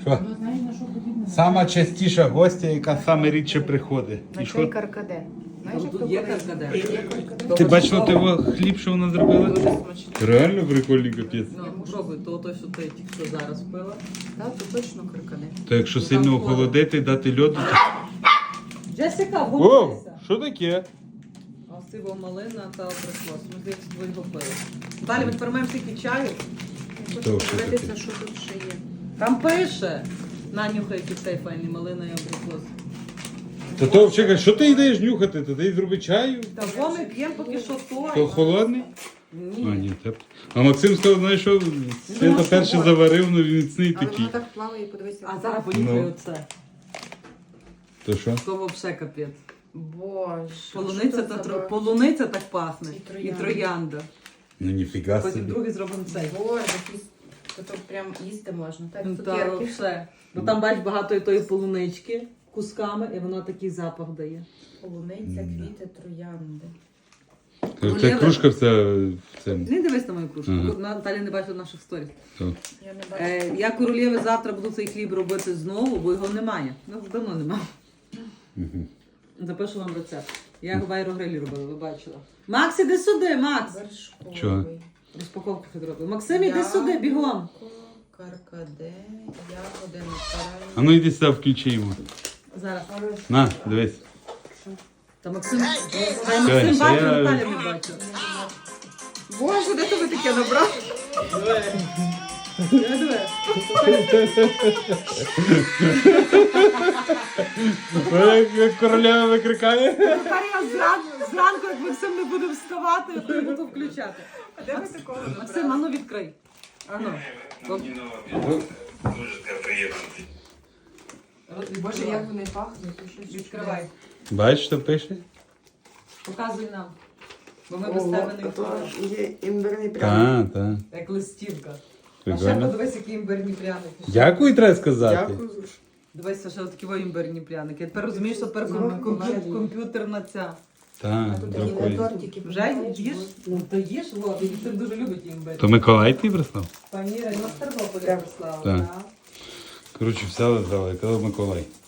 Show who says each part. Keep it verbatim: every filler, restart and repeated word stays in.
Speaker 1: Що? Сама частіша гостя, яка саме рідше приходить. І
Speaker 2: На
Speaker 1: що?
Speaker 2: цей каркаде. Знаєш, як
Speaker 3: Тут
Speaker 2: то
Speaker 3: є
Speaker 2: коли-
Speaker 3: каркаде.
Speaker 2: Є каркаде.
Speaker 1: Ти бачила того хліб, що вона зробила?
Speaker 2: Дуже смачно.
Speaker 1: Реально прикольний капець.
Speaker 3: Ну, пробуй, то той, що ти тільки що зараз пила.
Speaker 2: Так, то точно каркаде.
Speaker 1: То якщо
Speaker 3: Ну,
Speaker 1: сильно
Speaker 3: там
Speaker 1: охолодити, дати льоду, то...
Speaker 3: Джесіка,
Speaker 1: О,
Speaker 3: готуйся.
Speaker 1: що таке?
Speaker 3: Осива малина та абрикос. Ми здається, твої пили. Далі ми тепер маємо стільки чаю.
Speaker 1: То що
Speaker 2: Дивитися,
Speaker 1: таке?
Speaker 2: що тут ще є.
Speaker 3: Там пише. Нанюхай, який цей файний малина і абрикос.
Speaker 1: Та то, чекай, що ти йдеш нюхати? Та ти зроби чаю?
Speaker 3: Та бо ми п'ємо поки що той.
Speaker 1: То холодний? А,
Speaker 3: Ні.
Speaker 1: ні, теплий. А Максим сказав, знаєш що, Свята перше заварив, ну він міцний
Speaker 2: Але
Speaker 1: такий.
Speaker 2: воно так плаває, подивися.
Speaker 3: А зараз понюхай
Speaker 1: Ну.
Speaker 3: оце.
Speaker 1: То що?
Speaker 3: То вообще капець.
Speaker 2: Боже.
Speaker 3: Полуниця,
Speaker 2: що
Speaker 3: та
Speaker 2: це
Speaker 3: тро...
Speaker 2: за-
Speaker 3: Полуниця так пахне.
Speaker 2: І
Speaker 3: І
Speaker 2: троянда.
Speaker 3: троянда.
Speaker 1: Ну ніфіга
Speaker 3: Потім
Speaker 1: собі.
Speaker 3: другий зробимо цей.
Speaker 2: Боже, якісь... То тут прям їсти можна. Так,
Speaker 3: Ну, Та
Speaker 2: цукерки.
Speaker 3: все. Бо там бач багато і тої полунички кусками, і вона такий запах дає.
Speaker 2: Полуниця, квіти, троянди.
Speaker 1: Та кружка вся в цьому.
Speaker 3: Не дивись на мою кружку,
Speaker 1: Ага.
Speaker 3: бо Наталя не бачила наших сторіс.
Speaker 1: То.
Speaker 2: Я не бачу.
Speaker 3: Е, я королєви завтра буду цей хліб робити знову, бо його немає. Ну, давно немає.
Speaker 1: Мгм.
Speaker 3: Запишу вам рецепт. Я його в аерогрилі робила, ви бачила. Макс, іди сюди, Макс!
Speaker 2: Вершковий.
Speaker 1: Чого?
Speaker 3: Розпаковку хід робив. Максим, іди сюди, бігом.
Speaker 2: Яблуко, Каркаде, ягоди, натуральні.
Speaker 1: А ну йди сюди, включи йому.
Speaker 3: Зараз.
Speaker 1: На, дивись.
Speaker 3: Та Максим, Та
Speaker 1: Все,
Speaker 3: Максим
Speaker 1: ще
Speaker 3: бачив,
Speaker 1: я-
Speaker 3: Наталя не бачила.
Speaker 2: Боже, де тобі таке набрав?
Speaker 3: Я диви.
Speaker 1: Ой, як королева викрикає.
Speaker 3: Тепер я зранку, зранку, як Максим не буде вставати, то я буду включати.
Speaker 2: А де ви такого набрали?
Speaker 3: Максим, ану відкрий. Ану.
Speaker 2: Боже, як вони пахнуть. ти що,
Speaker 3: Відкривай.
Speaker 1: Бачиш, що пише?
Speaker 3: Показуй нам. Бо ми без тебе не відкриваємо.
Speaker 2: Є імбирний пряник.
Speaker 1: Так, так.
Speaker 3: Як листівка. А ще
Speaker 1: Прикольно.
Speaker 3: подивись, які імбирні пряники.
Speaker 1: Дякую, треба сказати.
Speaker 2: Дякую.
Speaker 3: Дивися, що такі во імбирні пряники. Тепер розумієш, що тепер ком- комп'ю- комп'ютерна ця.
Speaker 1: Так,
Speaker 2: Тут такі
Speaker 1: дякую.
Speaker 2: тортики.
Speaker 3: Вже їш? Ну то їж, Вова, Віктор дуже любить імбир.
Speaker 1: То Миколай ти прислав?
Speaker 3: Пані Ірина з Тернополя
Speaker 2: Так.
Speaker 3: прислала.
Speaker 1: Так.
Speaker 3: так.
Speaker 1: Коротше, взяли, взяли, казав Миколай.